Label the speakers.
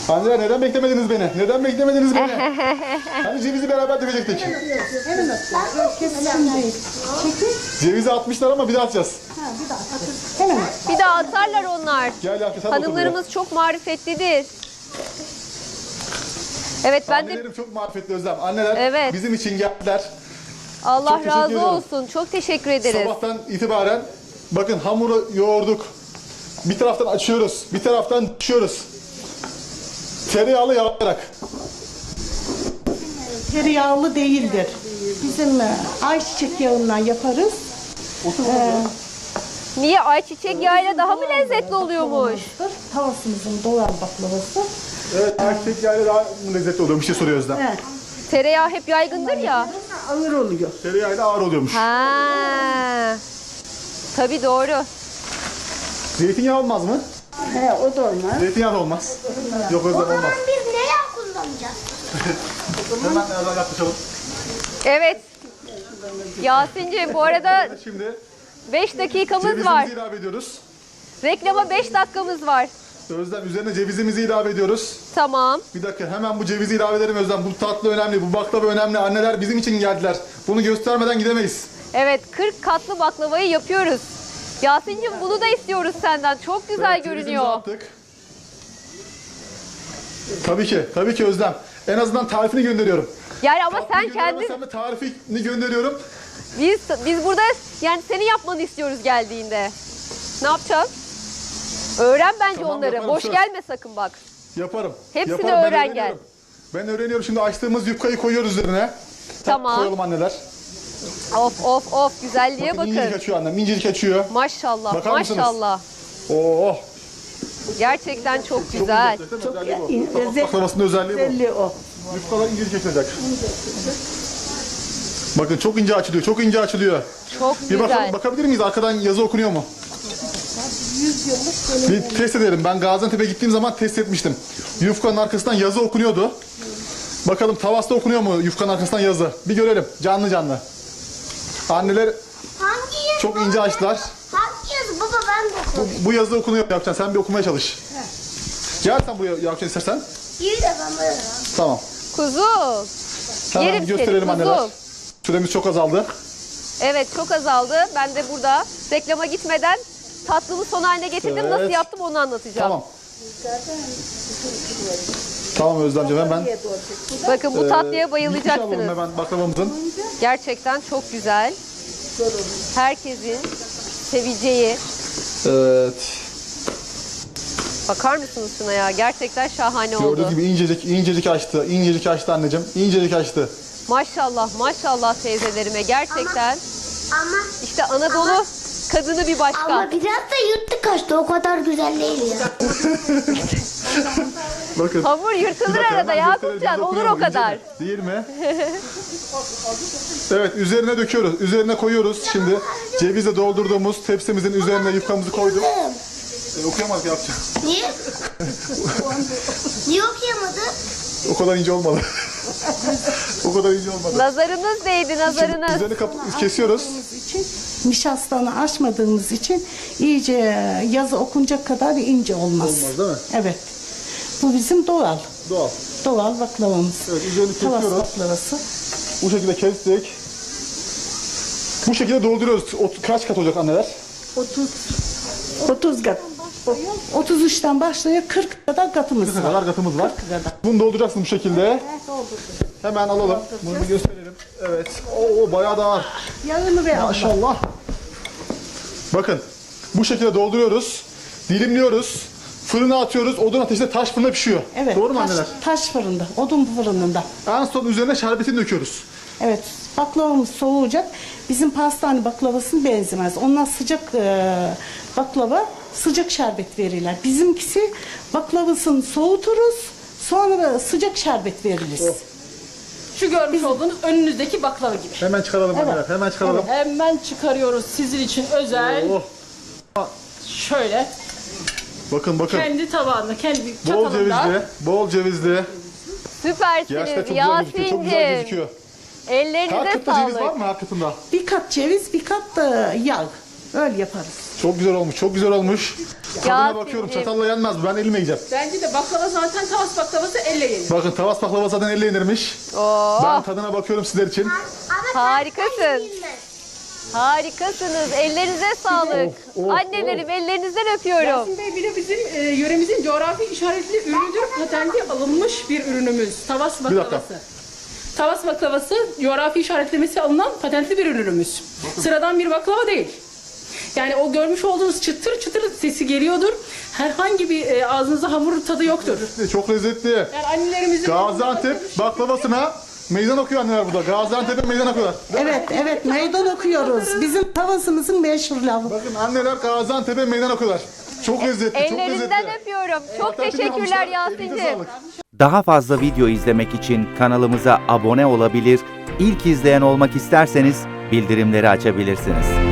Speaker 1: Anneler neden beklemediniz beni? Neden beklemediniz beni? Hani cevizi beraber dökecektik. Cevizi atmışlar ama bir daha atacağız.
Speaker 2: Bir daha atarlar onlar.
Speaker 1: Gel Yankı sen
Speaker 2: Hanımlarımız çok marifetlidir. Evet ben de
Speaker 1: Annelerim çok marifetli Özlem. Anneler
Speaker 2: Evet.
Speaker 1: bizim için geldiler.
Speaker 2: Allah
Speaker 1: Çok teşekkür
Speaker 2: razı
Speaker 1: ediyorum.
Speaker 2: olsun. Çok teşekkür ederiz.
Speaker 1: Sabahtan itibaren bakın hamuru yoğurduk. Bir taraftan açıyoruz, bir taraftan düşüyoruz. Tereyağlı yağlayarak.
Speaker 3: Tereyağlı değildir. Bizim ayçiçek yağından yaparız.
Speaker 2: Niye ayçiçek yağıyla daha mı lezzetli oluyormuş?
Speaker 3: Tavasımızın doğal baklavası.
Speaker 1: Evet, ayçiçek yağıyla daha lezzetli oluyor. Bir şey soruyor Özlem.
Speaker 3: Evet.
Speaker 2: Tereyağı hep yaygındır ya.
Speaker 3: Ağır oluyor.
Speaker 1: Tereyağıyla ağır oluyormuş.
Speaker 2: Ha. Tabii doğru.
Speaker 1: Zeytinyağı olmaz mı?
Speaker 3: He, o da olmaz.
Speaker 1: Zeytinyağı da olmaz. Yok Özlem olmaz.
Speaker 4: Biz ne yağ kullanacağız?
Speaker 1: Hemen nereden yaklaşalım.
Speaker 2: Evet. Yasin'ciğim bu arada
Speaker 1: Şimdi
Speaker 2: 5 dakikamız
Speaker 1: cevizimizi
Speaker 2: var.
Speaker 1: ilave ediyoruz.
Speaker 2: Reklama 5 dakikamız var.
Speaker 1: Özlem üzerine cevizimizi ilave ediyoruz.
Speaker 2: Tamam.
Speaker 1: Bir dakika hemen bu cevizi ilave edelim Özlem. Bu tatlı önemli, bu baklava önemli. Anneler bizim için geldiler. Bunu göstermeden gidemeyiz.
Speaker 2: Evet 40 katlı baklavayı yapıyoruz. Yasin'cim bunu da istiyoruz senden. Çok güzel
Speaker 1: Evet, cevizimizi
Speaker 2: görünüyor.
Speaker 1: attık. Tabii ki Özlem. En azından tarifini gönderiyorum.
Speaker 2: Yani ama
Speaker 1: Tatlıyı
Speaker 2: sen kendin
Speaker 1: gönderemezsem de tarifini gönderiyorum.
Speaker 2: biz burada yani senin yapmanı istiyoruz geldiğinde. Ne yapacağız? Öğren bence
Speaker 1: Tamam,
Speaker 2: onları.
Speaker 1: yaparım,
Speaker 2: Boş
Speaker 1: söz.
Speaker 2: gelme sakın bak.
Speaker 1: Yaparım.
Speaker 2: Hepsini
Speaker 1: Yaparım, ben
Speaker 2: öğren
Speaker 1: öğreniyorum. Ben öğreniyorum. Şimdi açtığımız yufkayı koyuyoruz üzerine.
Speaker 2: Tamam.
Speaker 1: Koyalım anneler.
Speaker 2: Of güzelliğe
Speaker 1: Bakın incecik
Speaker 2: bakın.
Speaker 1: açıyor annem. İncecik açıyor.
Speaker 2: Maşallah
Speaker 1: Bakar mısınız?
Speaker 2: maşallah.
Speaker 1: Oo.
Speaker 2: Gerçekten çok güzel.
Speaker 1: Baklavasının özelliği bu.
Speaker 3: Belli o.
Speaker 1: Yufkalar incecik açılacak. Bakın çok ince açılıyor. Çok ince açılıyor.
Speaker 2: Çok
Speaker 1: Bir bakalım,
Speaker 2: güzel.
Speaker 1: bakabilir miyiz? Arkadan yazı okunuyor mu? Bir test edelim. Ben Gaziantep'e gittiğim zaman test etmiştim. Yufkanın arkasından yazı okunuyordu. Bakalım tavasta okunuyor mu yufkanın arkasından yazı? Bir görelim. Canlı canlı. Anneler
Speaker 4: Hangi yazı?
Speaker 1: çok ince açtılar.
Speaker 4: Hangi yazı? Baba ben de okudum.
Speaker 1: Bu yazı okunuyor Yakupcan. Sen bir okumaya çalış. Gel sen buraya Yakupcan istersen.
Speaker 4: İyi de ben böyle.
Speaker 1: Tamam.
Speaker 2: Kuzum.
Speaker 1: Hemen
Speaker 2: Yerim
Speaker 1: bir gösterelim
Speaker 2: seni,
Speaker 1: anneler.
Speaker 2: kuzum.
Speaker 1: Süremiz çok azaldı.
Speaker 2: Evet çok azaldı. Ben de burada reklama gitmeden tatlımı son haline getirdim.
Speaker 1: Evet.
Speaker 2: Nasıl yaptım onu anlatacağım.
Speaker 1: Tamam. Tamam Özlemciğim hemen.
Speaker 2: Bakın bu tatlıya
Speaker 1: Yufka alalım
Speaker 2: bayılacaksınız.
Speaker 1: hemen baklavamızın.
Speaker 2: Gerçekten çok güzel. Herkesin seveceği.
Speaker 1: Evet.
Speaker 2: Bakar mısınız şuna ya? Gerçekten şahane
Speaker 1: Gördüğünüz
Speaker 2: oldu.
Speaker 1: gibi incecik açtı. İncecik açtı anneciğim. İncecik açtı.
Speaker 2: Maşallah teyzelerime. Gerçekten
Speaker 4: Ama
Speaker 2: işte Anadolu kadını bir başka.
Speaker 4: ama biraz da yırtık kaçtı. O kadar güzel değil ya.
Speaker 1: Bakın.
Speaker 2: Hamur
Speaker 1: Bir
Speaker 2: yırtılır
Speaker 1: dakika,
Speaker 2: arada
Speaker 1: hemen
Speaker 2: Yakupcan.
Speaker 1: gösterelim.
Speaker 2: Olur
Speaker 1: Dokunuyor
Speaker 2: o
Speaker 1: mu? İnce
Speaker 2: kadar.
Speaker 1: mi? Değil mi? Evet üzerine döküyoruz. Üzerine koyuyoruz. Şimdi cevizle doldurduğumuz tepsimizin üzerine yufkamızı koyduk. Okuyamadık yapacağım.
Speaker 4: Niye? Niye okuyamadı?
Speaker 1: O kadar ince olmadı. O kadar ince olmadı.
Speaker 2: Nazarınız değdi nazarınız.
Speaker 1: Üzerini kesiyoruz.
Speaker 3: için nişastanı açmadığımız için iyice yazı okunacak kadar ince olmaz.
Speaker 1: Olmaz değil mi?
Speaker 3: Evet. Bu bizim doğal.
Speaker 1: Doğal.
Speaker 3: Doğal baklavamız.
Speaker 1: Evet üzerini
Speaker 3: Tavas
Speaker 1: kesiyoruz.
Speaker 3: baklavası.
Speaker 1: Bu şekilde kestik. Bu şekilde dolduruyoruz. Kaç kat olacak anneler?
Speaker 3: 30 kat. 33'ten başlıyor 40 kadar katımız
Speaker 1: Ne
Speaker 3: var.
Speaker 1: kadar katımız var.
Speaker 3: 40 kadar.
Speaker 1: Bunu dolduracaksın bu şekilde. Hemen alalım. Bunu bir gösterelim. Evet. Oo bayağı da ağır.
Speaker 3: Yağını ve
Speaker 1: Maşallah. Bakın. Bu şekilde dolduruyoruz. Dilimliyoruz. Fırına atıyoruz. Odun ateşinde taş fırında pişiyor.
Speaker 3: Evet.
Speaker 1: Doğru mu anneler?
Speaker 3: Taş fırında, odun fırınında.
Speaker 1: En son üzerine şerbetini döküyoruz.
Speaker 3: Evet. Baklavamız soğuyacak. Bizim pastane baklavasına benzemez. Onlar sıcak baklava, sıcak şerbet verirler. Bizimkisi baklavasını soğuturuz. Sonra sıcak şerbet veririz.
Speaker 1: Oh.
Speaker 5: Şu görmüş olduğunuz önünüzdeki baklava gibi.
Speaker 1: Hemen çıkaralım anneler. Hemen çıkaralım.
Speaker 5: Hemen çıkarıyoruz sizin için özel.
Speaker 1: Oh.
Speaker 5: Şöyle
Speaker 1: Bakın.
Speaker 5: kendi tabağında, kendi
Speaker 1: Bol
Speaker 5: çatalında.
Speaker 1: cevizli. Bol cevizli.
Speaker 2: Süpersiniz
Speaker 1: Gerçekten çok güzel gözüküyor. Çok güzel
Speaker 2: Yasin'cim.
Speaker 1: gözüküyor. Her
Speaker 2: Ellerinize
Speaker 1: kıtta ceviz var
Speaker 2: sağlık.
Speaker 1: mı her kıtında?
Speaker 3: Bir kat ceviz, bir kat da yağ. Öyle yaparız.
Speaker 1: Çok güzel olmuş, çok güzel olmuş. Tadına
Speaker 2: Yasin'cim.
Speaker 1: bakıyorum, çatalla yenmez bu. Ben elimle yiyeceğim.
Speaker 5: Bence de baklava zaten Tavas baklavası elle yenir.
Speaker 1: Bakın tavas baklava zaten elle yenirmiş.
Speaker 2: Oo,
Speaker 1: Ben tadına bakıyorum sizler için.
Speaker 2: harikasın. Harikasınız. Ellerinize sağlık.
Speaker 1: Of, of,
Speaker 2: Annelerim ellerinizden öpüyorum.
Speaker 5: Yasin Bey bir de bizim yöremizin coğrafi işaretli ürünüdür. Patenti alınmış bir ürünümüz. Tavas
Speaker 1: dakika.
Speaker 5: baklavası. Tavas baklavası coğrafi işaretlemesi alınan patentli bir ürünümüz. Sıradan bir baklava değil. Yani o görmüş olduğunuz çıtır çıtır sesi geliyordur. Herhangi bir ağzınıza hamur tadı yoktur.
Speaker 1: Çok lezzetli.
Speaker 5: Yani annelerimizin...
Speaker 1: Gaziantep baklavasına meydan okuyor anneler burada. Gaziantep'e meydan okuyorlar.
Speaker 3: Evet meydan okuyoruz. Bizim tavasımızın meşhur lafı.
Speaker 1: Bakın anneler Gaziantep'e meydan okuyorlar. Çok lezzetli, çok
Speaker 2: Ellerinizden
Speaker 1: lezzetli.
Speaker 2: öpüyorum. Çok
Speaker 1: Patentini
Speaker 2: teşekkürler
Speaker 1: almışlar. Elinize
Speaker 2: Yasin'cim.
Speaker 1: sağlık.
Speaker 6: Daha fazla video izlemek için kanalımıza abone olabilir, ilk izleyen olmak isterseniz bildirimleri açabilirsiniz.